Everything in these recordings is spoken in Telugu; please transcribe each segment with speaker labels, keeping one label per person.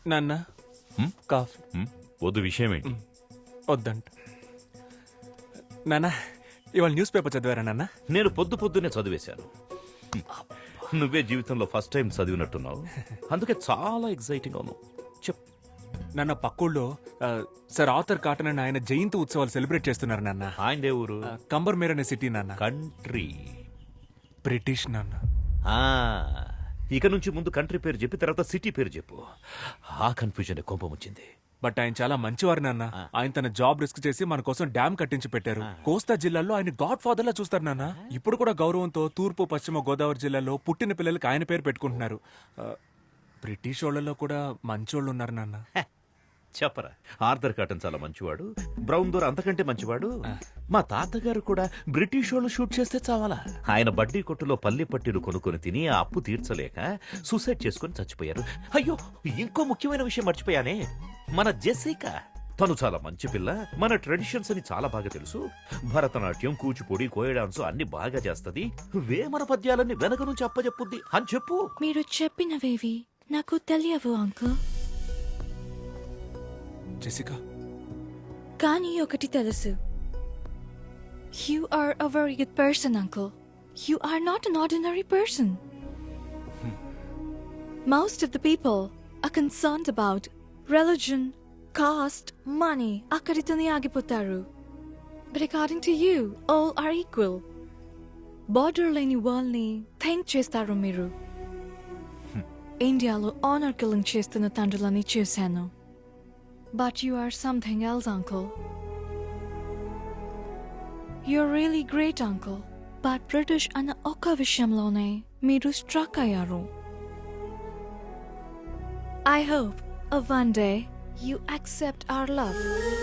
Speaker 1: నాన్న కాఫీ
Speaker 2: వద్దు, విషయం ఏంటి?
Speaker 1: వద్దంట. నాన్న ఇవాళ న్యూస్ పేపర్ చదివారా నాన్న?
Speaker 2: నేను పొద్దున్నే చదివేశాను. నువ్వే జీవితంలో ఫస్ట్ టైం చదివినట్టున్నావు, అందుకే చాలా ఎక్సైటింగ్ అవును. చెప్.
Speaker 1: నాన్న పక్కూళ్ళో సార్ ఆర్థర్ కాటన్ అని ఆయన జయంతి ఉత్సవాలు సెలబ్రేట్ చేస్తున్నారు నాన్న.
Speaker 2: ఆయన ఊరు?
Speaker 1: కంబర్మేర్ అనే సిటీ నాన్న.
Speaker 2: కంట్రీ?
Speaker 1: బ్రిటిష్ నాన్న.
Speaker 2: ఇక నుంచి ముందు కంట్రీ పేరు చెప్పి తర్వాత సిటీ పేరు చెప్పు. ఆ కన్ఫ్యూజన్ కోపం వచ్చింది.
Speaker 1: బట్ ఆయన చాలా మంచివారు నాన్న. ఆయన తన జాబ్ రిస్క్ చేసి మన కోసం డ్యామ్ కట్టించి పెట్టారు. కోస్తా జిల్లాలో ఆయన గాడ్ ఫాదర్ లా చూస్తారు నాన్న. ఇప్పుడు కూడా గౌరవంతో తూర్పు పశ్చిమ గోదావరి జిల్లాలో పుట్టిన పిల్లలకి ఆయన పేరు పెట్టుకుంటున్నారు. బ్రిటిష్ వాళ్ళలో కూడా మంచోళ్ళు ఉన్నారు నాన్న.
Speaker 2: చెప్పరా, ఆర్థర్ కాటన్ చాలా మంచివాడు, బ్రౌన్ దోర్ అంతకంటే మంచివాడు. మా తాతగారు కూడా బ్రిటిష్ వాళ్ళు షూట్ చేస్తే చావాలా. ఆయన బడ్డీ కొట్టులో పల్లి పట్టీలు కొనుక్కొని తిని ఆ అప్పు తీర్చలేక సూసైడ్ చేసుకుని చచ్చిపోయారు. అయ్యో, ఇంకో ముఖ్యమైన విషయం మర్చిపోయానే, మన జెసికా. తను చాలా మంచి పిల్ల, మన ట్రెడిషన్స్ అని చాలా బాగా తెలుసు. భరతనాట్యం, కూచిపూడి, కోయ డాన్స్ అన్ని బాగా చేస్తది. వేమన పద్యాలన్నీ వెనక నుంచి అప్పచెప్పుద్ది అని చెప్పు.
Speaker 3: మీరు చెప్పినవేవి నాకు తెలియవు అంకుల్.
Speaker 1: జెసికా,
Speaker 3: కానీ ఒకటి తెలుసు. You are a very good person, uncle. You are not an ordinary person. Most of the people are concerned about religion, caste, money. Akkaritone agipotaru. But according to you, all are equal. Border leni world ni think chestaru miru. Indialo honor killing chestunna tandrulani chusanu. But you are something else, uncle. You're really great, uncle. But British ana oka vishamlone meeru struck ayaru. I hope one day you accept our love.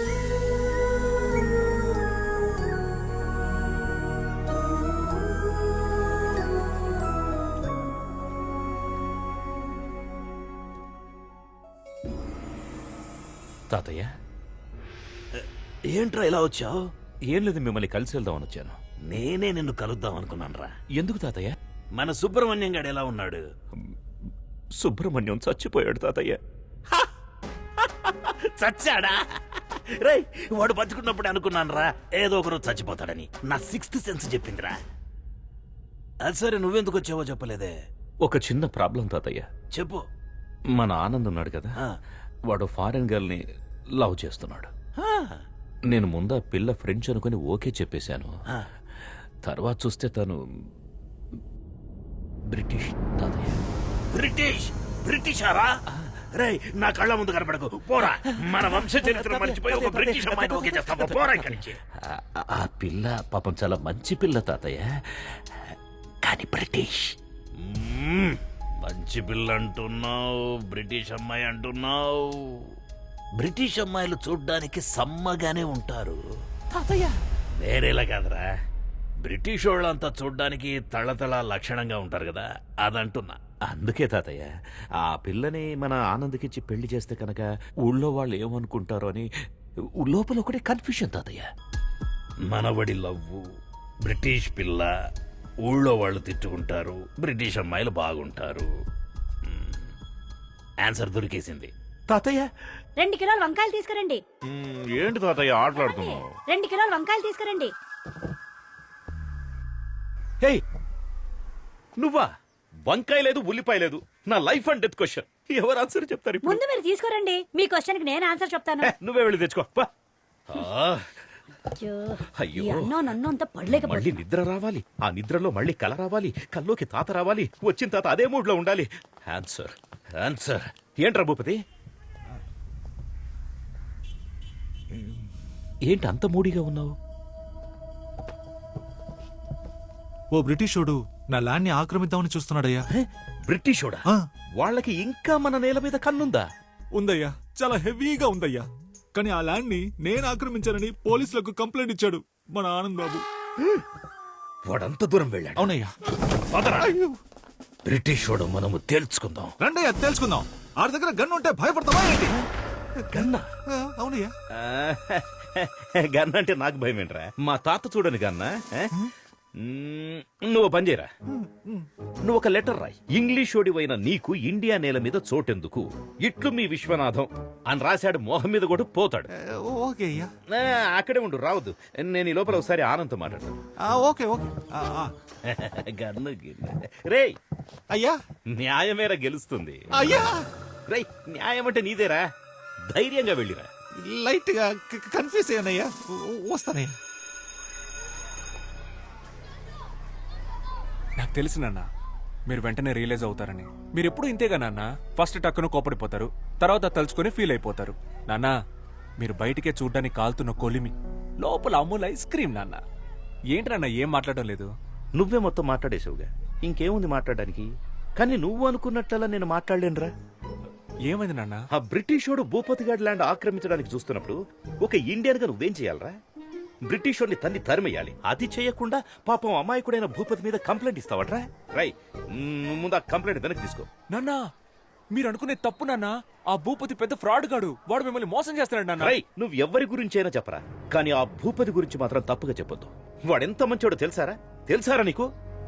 Speaker 2: తాతయ్య,
Speaker 4: ఏంట్రా ఇలా వచ్చావు?
Speaker 2: ఏం లేదు, మిమ్మల్ని కలిసి వెళ్దామని వచ్చాను.
Speaker 4: నేనే నిన్ను కలుద్దాం అనుకున్నానురా.
Speaker 2: ఎందుకు తాతయ్య?
Speaker 4: మన సుబ్రహ్మణ్యం గాడు ఎలా ఉన్నాడు?
Speaker 2: సుబ్రహ్మణ్యం చచ్చిపోయాడు తాతయ్య.
Speaker 4: చచ్చాడా? రై, వాడు బతుకున్నప్పుడు అనుకున్నానురా ఏదో ఒకరోజు చచ్చిపోతాడని. నా సిక్స్త్ సెన్స్ చెప్పిందిరా. అది సరే, నువ్వెందుకు వచ్చావో చెప్పలేదే.
Speaker 2: ఒక చిన్న ప్రాబ్లం తాతయ్య.
Speaker 4: చెప్పు.
Speaker 2: మన ఆనంద్ ఉన్నాడు కదా, వాడు ఫారెన్ గర్ల్ ని లవ్ చేస్తున్నాడు. నేను ముందా పిల్ల ఫ్రెంచ్ అనుకుని ఓకే చెప్పేశాను. తర్వాత చూస్తే తను బ్రిటిష్ తాతయ్య.
Speaker 4: బ్రిటిష్? బ్రిటిషారా? రేయ్, నా కళ్ళ ముందు కనపడకు, పోరా. మన వంశ చరిత్ర మర్చిపోయి ఒక బ్రిటిష్ అమ్మాయిని ఓకే చేస్తావా? పోరా ఇక్కడి నుంచి.
Speaker 2: ఆ పిల్ల పాపం చాలా మంచి పిల్ల తాతయ్య, కానీ బ్రిటిష్.
Speaker 4: మంచి పిల్ల అంటున్నావు, బ్రిటిష్ అమ్మాయి అంటున్నావు. బ్రిటిష్ అమ్మాయిలు చూడ్డానికి సమ్మగానే ఉంటారు
Speaker 2: తాతయ్య.
Speaker 4: వేరేలా కాదురా, బ్రిటిష్ వాళ్ళంతా చూడ్డానికి తళతళ లక్షణంగా ఉంటారు కదా, అదంటున్నా.
Speaker 2: అందుకే తాతయ్య, ఆ పిల్లని మన ఆనంద్కిచ్చి పెళ్లి చేస్తే కనుక ఊళ్ళో వాళ్ళు ఏమనుకుంటారో అని లోపల ఒకటే కన్ఫ్యూషన్ తాతయ్య.
Speaker 4: మనవడి లవ్వు, బ్రిటిష్ పిల్ల, ఊళ్ళో వాళ్ళు తిట్టుకుంటారు, బ్రిటిష్ అమ్మాయిలు బాగుంటారు. ఆన్సర్ దొరికేసింది.
Speaker 2: తాతయ్య,
Speaker 5: 2 కిలోల వంకాయలు తీసుకురండి.
Speaker 2: ఏంటి తాతయ్య ఆటలాడుతున్నావు?
Speaker 5: 2 కిలోల వంకాయలు తీసుకురండి.
Speaker 2: హే, నువ్వా? వంకాయ లేదు, ఉల్లిపాయ లేదు. నా లైఫ్ అండ్ డెత్ క్వశ్చన్. ఎవరు ఆన్సర్ చెప్తారు ఇప్పుడు?
Speaker 5: ముందు మీరు తీసుకురండి, మీ క్వశ్చన్ కి నేను ఆన్సర్ చెప్తాను.
Speaker 2: నువ్వే వెళ్ళి తెచ్చుకో.
Speaker 5: అయ్యో, నన్ను అంత పడలేకపోతే
Speaker 2: మళ్ళీ నిద్ర రావాలి, ఆ నిద్రలో మళ్ళీ కల రావాలి, కల్లోకి తాత రావాలి, వచ్చిన తాత అదే మూడ్ లో ఉండాలి. Answer answer. ఏంట్రా భూపతి, ఏంటి అంత మూడీగా ఉన్నావు?
Speaker 6: ఓ బ్రిటిషోడు నా ల్యాండ్ ని ఆక్రమిద్దామని చూస్తున్నాడయ్యా.
Speaker 2: బ్రిటిషోడా? వాళ్ళకి ఇంకా మన నేల మీద కన్నుందా?
Speaker 6: ఉందయ్యా, చాలా హెవీగా ఉందయ్యా. కానీ ఆ ల్యాండ్ ని నేను ఆక్రమించానని పోలీసులకు కంప్లైంట్ ఇచ్చాడు మన ఆనంద్ బాబు.
Speaker 4: వాడంత దూరం వెళ్ళాడు.
Speaker 6: అవునయ్యా.
Speaker 4: బ్రిటిష్ వాడు మనము తేల్చుకుందాం.
Speaker 6: రండయ్యా, తెలుసుకుందాం. ఆ దగ్గర గన్ ఉంటే భయపడతావా ఏంటి?
Speaker 4: గన్నా?
Speaker 6: అవునయ్యా.
Speaker 2: గన్న అంటే నాకు భయం ఏంట్రా? మా తాత చూడని గన్నా. నువ్వు పని చేయరా, నువ్వు ఒక లెటర్ రాయి. ఇంగ్లీష్ ఓడివైన నీకు ఇండియా నేల మీద చోటెందుకు, ఇట్లు మీ విశ్వనాథం అని రాశాడు. మోహం మీద కూడా పోతాడు.
Speaker 6: ఓకే అయ్యా.
Speaker 2: అక్కడే ఉండు, రావద్దు. నేను ఈ లోపల ఒకసారి ఆనంద్ మాట్లాడతాను.
Speaker 6: Okay okay.
Speaker 2: గన్ను గిన్ను. రేయ్,
Speaker 6: అయ్యా
Speaker 2: న్యాయమేరా గెలుస్తుంది.
Speaker 6: అయ్యా
Speaker 2: రేయ్, న్యాయం అంటే నీదేరా, ధైర్యంగా వెళ్ళిరా.
Speaker 6: లైట్ గా కన్ఫ్యూజ్ అయ్యానయ్యా. వస్తానయ్యా.
Speaker 1: నాకు తెలుసు నాన్న, మీరు వెంటనే రియలైజ్ అవుతారని. మీరు ఎప్పుడు ఇంతేగా నాన్న, ఫస్ట్ టక్కును కోపడిపోతారు, తర్వాత తలుచుకొని ఫీల్ అయిపోతారు. నాన్న, మీరు బయటికే చూడ్డానికి కాలుతున్న కొలిమి, లోపల అమూల్ ఐస్ క్రీమ్. నాన్న ఏంటి నాన్న ఏం మాట్లాడడం లేదు?
Speaker 2: నువ్వే మొత్తం మాట్లాడేసావుగా, ఇంకేముంది మాట్లాడడానికి? కానీ నువ్వు అనుకున్నట్లలా నేను మాట్లాడలేనురా.
Speaker 1: ఏమైంది నాన్న?
Speaker 2: ఆ బ్రిటిషోడు భూపతిగాడ్ ల్యాండ్ ఆక్రమించడానికి చూస్తున్నప్పుడు ఒక ఇండియన్ గా నువ్వేం చేయాలరా? బ్రిటిషోడిని తన్ని తరిమేయాలి. అది చేయకుండా పాపం అమాయకుడైన భూపతి మీద కంప్లైంట్ ఇస్తావట్రా? రై, ముందు ఆ కంప్లైంట్ వెనక్కి తీసుకో.
Speaker 1: నాన్న, మీరు అనుకునే తప్పు నాన్న. ఆ భూపతి పెద్ద ఫ్రాడ్ గాడు, వాడు మిమ్మల్ని మోసం చేస్తున్నాడు నాన్న.
Speaker 2: రై, నువ్వు ఎవరి గురించి అయినా చెప్పరా, కానీ ఆ భూపతి గురించి మాత్రం తప్పుగా చెప్పొద్దు. వాడెంత మంచోడో తెలుసారా నీకు?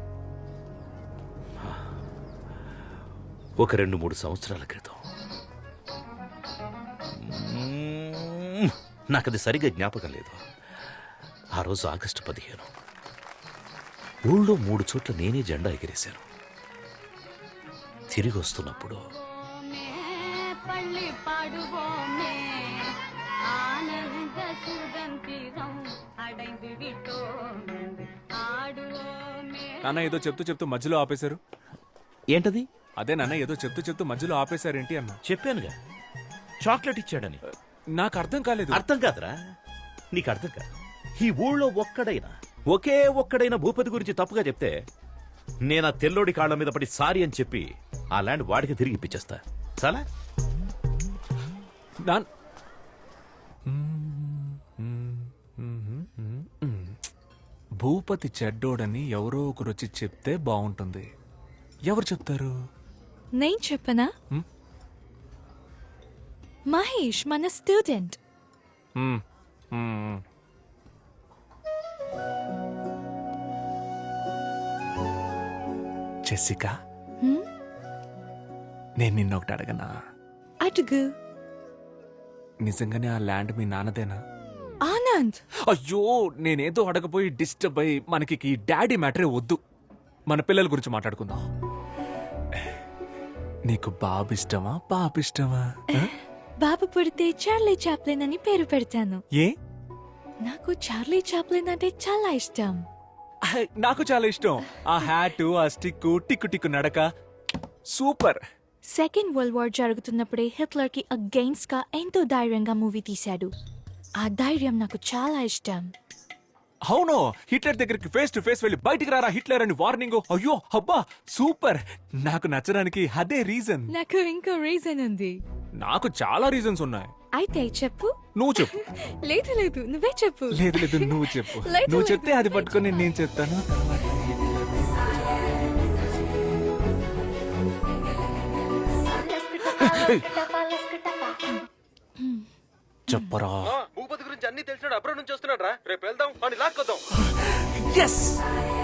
Speaker 2: ఒక 2-3 సంవత్సరాల క్రితం, నాకది సరిగా జ్ఞాపకం లేదు. ఆ రోజు ఆగస్టు 15, ఊళ్ళో 3 చోట్ల నేనే జెండా ఎగిరేశాను. తిరిగి వస్తున్నప్పుడు
Speaker 1: నాన్న ఏదో చెప్తూ మధ్యలో ఆపేశారు.
Speaker 2: ఏంటది?
Speaker 1: అదే నాన్న, ఏదో చెప్తూ మధ్యలో ఆపేశారేంటి అన్న.
Speaker 2: చెప్పానుగా, చాక్లెట్ ఇచ్చాడని.
Speaker 1: నాకు అర్థం కాలేదు.
Speaker 2: అర్థం కాదురా, నీకు అర్థం కాదు. ఈ ఊళ్ళో ఒకే ఒక్కడైనా భూపతి గురించి తప్పుగా చెప్తే నేను ఆ తెల్లోడి కాళ్ళ మీద పడి సారీ అని చెప్పి ఆ ల్యాండ్ వాడికి తిరిగి ఇప్పించేస్తా. చాలా
Speaker 1: నాన్ భూపతి చెడ్డోడని ఎవరో ఒకరు వచ్చి చెప్తే బాగుంటుంది. ఎవరు చెప్తారు?
Speaker 3: నేను చెప్పనా? మహేష్ మన స్టూడెంట్.
Speaker 1: మ్మ్. మ్మ్. జెసికా, నేను నిన్నొకటి అడగనా?
Speaker 3: అడుగు.
Speaker 1: నిజంగానే ఆ ల్యాండ్ మీ నాన్నదేనా?
Speaker 3: ఆనంద్,
Speaker 1: అయ్యో, నేనేదో అడగపోయి డిస్టర్బ్ అయ్యి మనకి ఈ డాడీ మ్యాటరే వద్దు. మన పిల్లల గురించి మాట్లాడుకుందాం. నీకు బాబు ఇష్టమా పాప ఇష్టమా?
Speaker 3: బాబు పుడితే చార్లీ చాప్లిన్ అని పేరు పెడతాను.
Speaker 1: ఏ?
Speaker 3: నాకు చార్లీ చాప్లిన్ అంటే చాలా ఇష్టం.
Speaker 1: నాకు చాలా ఇష్టం. ఆ హ్యాట్, ఆ స్టిక్, టిక్కు టిక్కు నడక సూపర్.
Speaker 3: సెకండ్ వరల్డ్ వార్ జరుగుతున్నప్పుడే హిట్లర్ కి అగెయిన్స్ట్ గా ఎంతో ధైర్యంగా మూవీ తీశాడు. ఆ ధైర్యం నాకు చాలా ఇష్టం.
Speaker 1: అవును, హిట్లర్ దగ్గరికి ఫేస్ టు ఫేస్ వెళ్ళి బయటికి రారా హిట్లర్ అని వార్నింగ్. అయ్యో అబ్బా సూపర్. నాకు నచ్చడానికి అదే రీజన్.
Speaker 3: నాకు ఇంకో రీజన్ ఉంది.
Speaker 1: నాకు చాలా రీజన్స్ ఉన్నాయి.
Speaker 3: అయితే చెప్పు.
Speaker 1: నువ్వు చెప్పు.
Speaker 3: లేదు లేదు, నువ్వే చెప్పు.
Speaker 1: లేదు లేదు, నువ్వు చెప్పు.
Speaker 3: లేదు,
Speaker 1: నువ్వు
Speaker 3: లేదు,
Speaker 1: చెప్తే అది పట్టుకొని నేను చెప్తాను. చెప్పరా.
Speaker 7: భూపతి గురించి అన్ని తెలిసినాడు, అబ్రాడ్ నుంచి వస్తున్నాడు రా. రేపు వెళ్దాం, వాడిని లాక్కొద్దాం.
Speaker 1: ఎస్,